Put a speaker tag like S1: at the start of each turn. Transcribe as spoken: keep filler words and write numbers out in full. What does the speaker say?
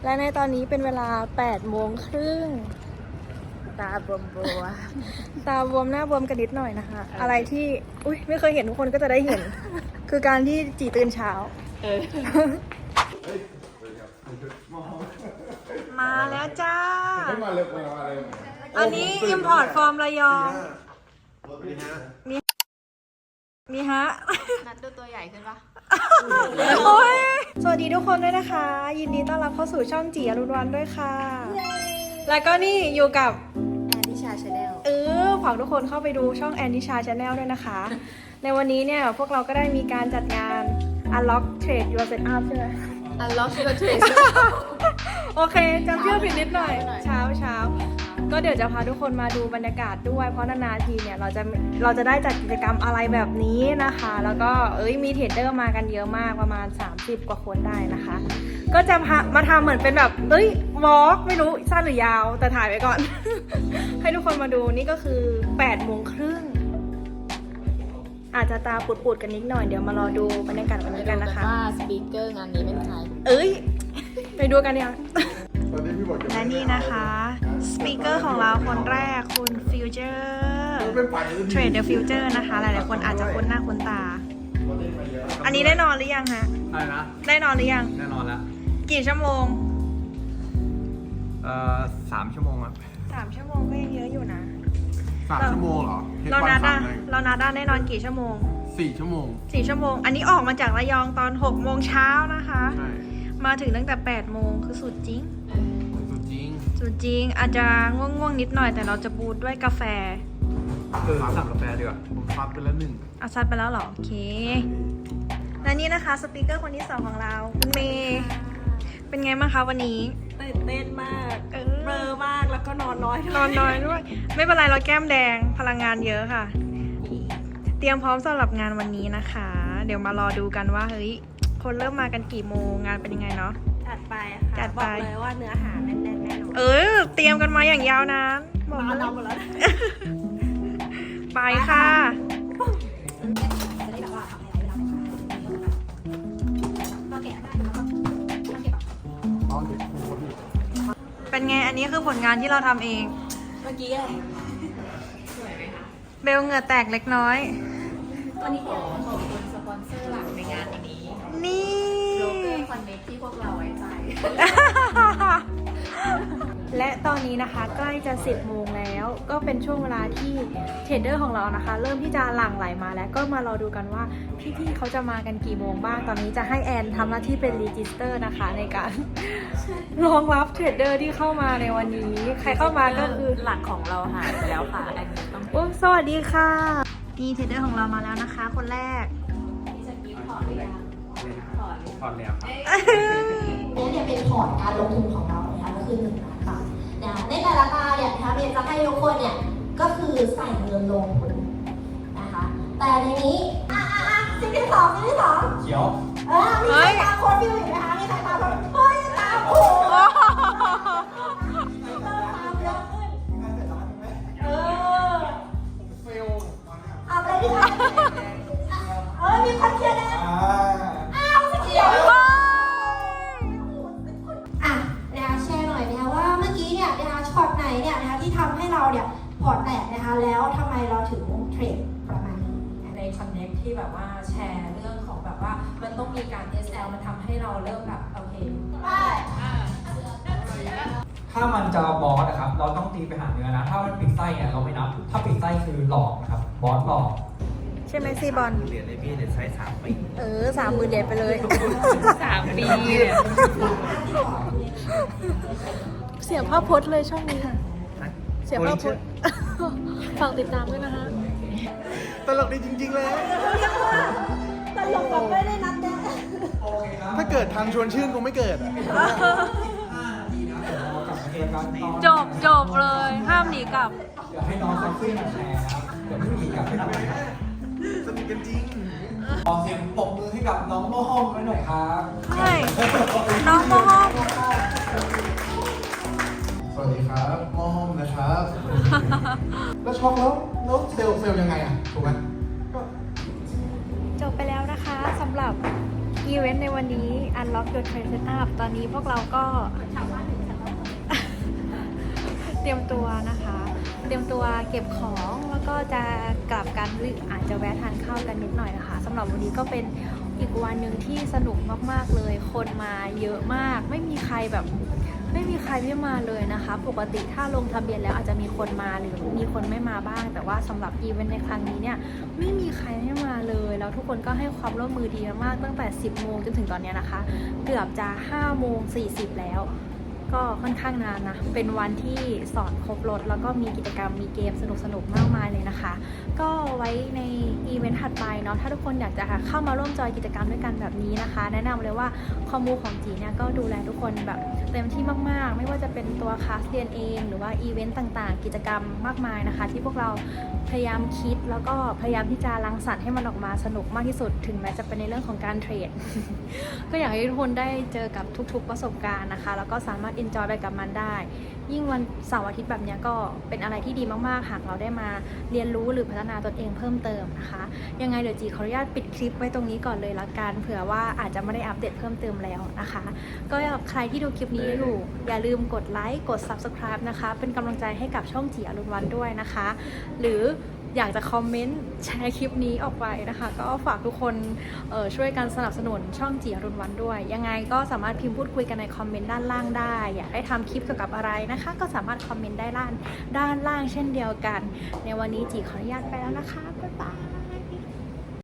S1: และในตอนนี้เป็นเวลาแปดโมงครึ่งตาบวมบวมตาบวมหน้าบวมกันนิดหน่อยนะคะ อะไรที่อุ้ยไม่เคยเห็นทุกคนก็จะได้เห็น คือการที่จีตื่นเช้ามาแล้วจ้ามาเร็วมาเร็วอันนี้ import from ระยองมีมีฮะนัดดูตัวใหญ่ขึ้นปะโอ้ยสวัสดีทุกคนด้วยนะคะ ยินดีต้อนรับเข้าสู่ช่องจีอรุณวันด้วยค่ะ แล้วก็นี่อยู่กับแอนนิชาชาแนลเออฝากทุกคนเข้าไปดูช่องแอนนิชาชาแนลด้วยนะคะ ในวันนี้เนี่ยพวกเราก็ได้มีการจัดงาน Unlock Trade Your Setup ใช่ไหม
S2: Unlock Your Trade
S1: โอเคจำชื่อผิดนิดหน่อยเช้าเช้าก็เดี๋ยวจะพาทุกคนมาดูบรรยากาศด้วยเพราะนานๆทีเนี่ยเราจะเราจะได้จัดกิจกรรมอะไรแบบนี้นะคะแล้วก็เอ้ยมีเทรดเดอร์มากันเยอะมากประมาณสามสิบกว่าคนได้นะคะ ก็จะมาทำเหมือนเป็นแบบเอ้ยวอล์กไม่รู้สั้นหรือยาวแต่ถ่ายไว้ก่อน ให้ทุกคนมาดูนี่ก็คือแปดโมงครึ่งอาจจะตาปุดๆกันนิดหน่อยเดี๋ยวมารอดูบรรยากาศวันนี้กันนะคะ
S2: ว่าสปีกเกอร์งานนี้เป็นใคร
S1: เอ้ยไปดูกันเนี่ยและนี่นะคะสปีกเกอร์ของเราคนแรกคุณฟิวเจอร์เทรดเดอร์ฟิวเจอร์นะคะหลายๆคนอาจจะคุ้นหน้าคุ้นตาอันนี้ได้นอนหรือยังฮะ
S3: อะไรนะ
S1: ได้นอนหรือยัง
S3: แน่นอนแล้ว
S1: กี่ชั่วโมง
S3: เอ่อสามชั่วโมงอะ
S1: สามชั่วโมงก็ยังเยอะอยู่นะ
S3: สามชั่วโมงเหรอ
S1: เรานาด้าเรานาด้าได้นอนกี่ชั่วโมง
S3: สี่ชั่วโมง
S1: สี่ชั่วโมงอันนี้ออกมาจากระยองตอนหกโมงเช้านะคะ
S3: ใช่
S1: มาถึงตั้งแต่แปดโมงคือสุดจริง
S3: สุดจริง
S1: สุดจริงอาจจะง่วงๆนิดหน่อยแต่เราจะบูทด้วยกาแฟ
S3: เออสั่งกาแฟดีกว่าผมซัดไปแล้วหนึ่ง
S1: เอาซัดไปแล้วเหรอโอเคและนี่นะคะสปีกเกอร์คนที่สองของเราคุณเมย์เป็นไงบ้างคะวันนี้
S4: ตื่นเต้นมากเบลอมากแล้วก็นอนน้อย
S1: นอนน้อยด้วยไม่เป็นไรเราแก้มแดงพลังงานเยอะค่ะเตรียมพร้อมสำหรับงานวันนี้นะคะเดี๋ยวมารอดูกันว่าเฮ้ยคนเริ่มมากันกี่โมงงานเป็นยังไงเนาะ
S4: จัดไปค่ะจัดไปบอกเลยว่าเนื้อหาแน่นๆแน่นอน
S1: เออเตรียมกันมาอย่างยาวนาน
S4: บอกเลยเราหมดแล้ว
S1: ไปค่ะเป็นไงอันนี้คือผลงานที่เราทำเอง
S4: เมื่อกี้อะไร
S1: สวยไหมคะเบลเหงื่อแตกเล็กน้อย
S2: วันนี้ขอขอบคุณสปอนเซอร์หลักในงานนี้
S1: นี่
S2: โลเกอร์คอนเนคที่พวกเราไว้ใจ
S1: และตอนนี้นะคะใกล้จะสิบโมงแล้วก็เป็นช่วงเวลาที่เทรดเดอร์ของเรานะคะเริ่มที่จะหลั่งไหลมาแล้วก็มารอดูกันว่าพี่ๆเขาจะมากันกี่โมงบ้างตอนนี้จะให้แอนทำหน้าที่เป็นรีจิสเตอร์นะคะในการรองรับเทรดเดอร์ที่เข้ามาในวันนี้ใครเข้ามาก็คือ
S2: หลักของเราหายไปแล้วค่ะแอนต้อง
S1: โอ้สวัสดีค่ะนี่เทรดเดอร์ของเรามาแล้วนะคะคนแรก
S2: ถอดหรือยัง
S3: ถอดถอดแล้ว
S5: นี่เนี่ยเป็นพอร์ตการลงทุนของเรานะคะก็คือหนึ่งล้านบาทนะในแต่ละตาเนี่ยนะคะเรียนจะให้ทุกคนเนี่ยก็คือใส่เงินลงทุนนะคะแต่ในนี้อ่ะอ่ะอ่ะสิ่งที่สองสิ่งที่สอง
S3: เขียว
S5: เออมีใครตามโค้ดฟิวอยู่ไหมคะมีใครตามโค้ดเฮ้ยตามโอ้โหตามเยอะขึ้นเออเฟลเอาไปดิค่ะเออมีคนเชียร์นะอ้าวสีเขียวอ่ะนะคะแชร์หน่อยนะคะว่าเมื่อกี้เนี่ยนะคะช็อตไหนเนี่ยนะคะที่ทำให้เราเนี่ยพอร์ตแตกนะคะแล้วทำไมเราถึงเทรดประมาณนี้
S6: ใน Connect ที่แบบว่าแชร์เรื่องของแบบว่ามันต้องมีการ เอส แอล มันทำให้เราเริ่มแบบโอเค
S7: ถ้ามันจะบอสนะครับเราต้องตีไปหาเนื้อนะถ้ามันปิดไส้เนี่ยเราไม่นับถ้าปิดไส้คือหลอกนะครับบอสหลอก
S1: ใช่ไหมซีบอล
S3: เหรียญเลยพี่เหรียญไซส์สามปี
S1: เออสามหมื่นเหรียญไปเลย
S2: สามปีเนี่ย
S1: เสียภาพพจน์เลยช่องนี้เสียภาพพจน์ฝากติดตามด้วยนะคะ
S3: ตลกดีจริงๆเลย
S4: ตลกแบบไม่ได้นัดแนะ
S3: ถ้าเกิดทางชวนชื่นคงไม่เกิดอ่ะ
S1: จบจบเลยห้ามหนีกลับ
S7: เดี๋ยวให้น้องเซ็กซี่มาแชร์นะเดี๋ยวไม่หนีกลับไม่ทำอะไร
S3: สนิทกันจริง
S7: ขอเสียงปรบมือให้กับน้องโมห้อมไว้หน่อยครับ
S1: ใช่น้องโมห้อม
S3: สวัสดีครับโมห้อมนะครับแล้วช็อกแล้วแล้วเซลล์เซลล์ยังไงอ่ะถูกไหม
S1: จบไปแล้วนะคะสำหรับอีเวนต์ในวันนี้ Unlock Your Trade Setup ตอนนี้พวกเราก็ เตรียมตัวนะคะ เตรียมตัวเก็บของแล้วก็จะกลับกันหรืออาจจะแวะทานข้าวกันนิดหน่อยนะคะสำหรับวันนี้ก็เป็นอีกวันหนึ่งที่สนุกมากๆเลย คนมาเยอะมาก ไม่มีใครแบบไม่มีใครไม่มาเลยนะคะ ปกติถ้าลงทะเบียนแล้วอาจจะมีคนมาหรือมีคนไม่มาบ้าง แต่ว่าสำหรับอีเวนต์ในครั้งนี้เนี่ยไม่มีใครไม่มาเลยแล้วทุกคนก็ให้ความร่วมมือดีมากตั้งแต่สิบโมงจนถึงตอนนี้นะคะเกือบจะห้าโมงสี่สิบแล้วก็ค่อนข้างนานนะ เป็นวันที่สอนครบรถแล้วก็มีกิจกรรมมีเกมสนุกๆมากมายเลยนะคะ ก็ไว้ในอีเวนต์ถัดไปเนาะ ถ้าทุกคนอยากจะเข้ามาร่วมจอยกิจกรรมด้วยกันแบบนี้นะคะ แนะนำเลยว่าคอมมูของจีเนี่ยก็ดูแลทุกคนแบบเต็มที่มากๆ ไม่ว่าจะเป็นตัวคลาสเรียนเองหรือว่าอีเวนต์ต่างๆ กิจกรรมมากมายนะคะ ที่พวกเราพยายามคิดแล้วก็พยายามที่จะรังสรรค์ให้มันออกมาสนุกมากที่สุดถึงแม้จะเป็นในเรื่องของการเทรด ก็อยากให้ทุกคนได้เจอกับทุกๆประสบการณ์นะคะแล้วก็สามารถ enjoy ไปกับมันได้ ยิ่งวันเสาร์อาทิตย์แบบนี้ก็เป็นอะไรที่ดีมากๆหากเราได้มาเรียนรู้หรือพัฒนาตนเองเพิ่มเติมนะคะยังไงเดี๋ยวจีขออนุญาตปิดคลิปไว้ตรงนี้ก่อนเลยละกันเผื่อว่าอาจจะไม่ได้อัปเดตเพิ่มเติมแล้วนะคะก็ใครที่ดูคลิปนี้อยู่อย่าลืมกดไลค์กด ซับสไครบ์ นะคะเป็นกำลังใจให้กับช่องจีอรุณวันด้วยนะคะหรืออยากจะคอมเมนต์แชร์คลิปนี้ออกไปนะคะก็ฝากทุกคนเอ่อช่วยกันสนับสนุนช่องจีอรุณวันด้วยยังไงก็สามารถพิมพ์พูดคุยกันในคอมเมนต์ด้านล่างได้อยากให้ทำคลิปเกี่ยวกับอะไรนะคะก็สามารถคอมเมนต์ได้ด้านด้านล่างเช่นเดียวกันในวันนี้จีขออนุญาตไปแล้วนะคะบ๊ายบาย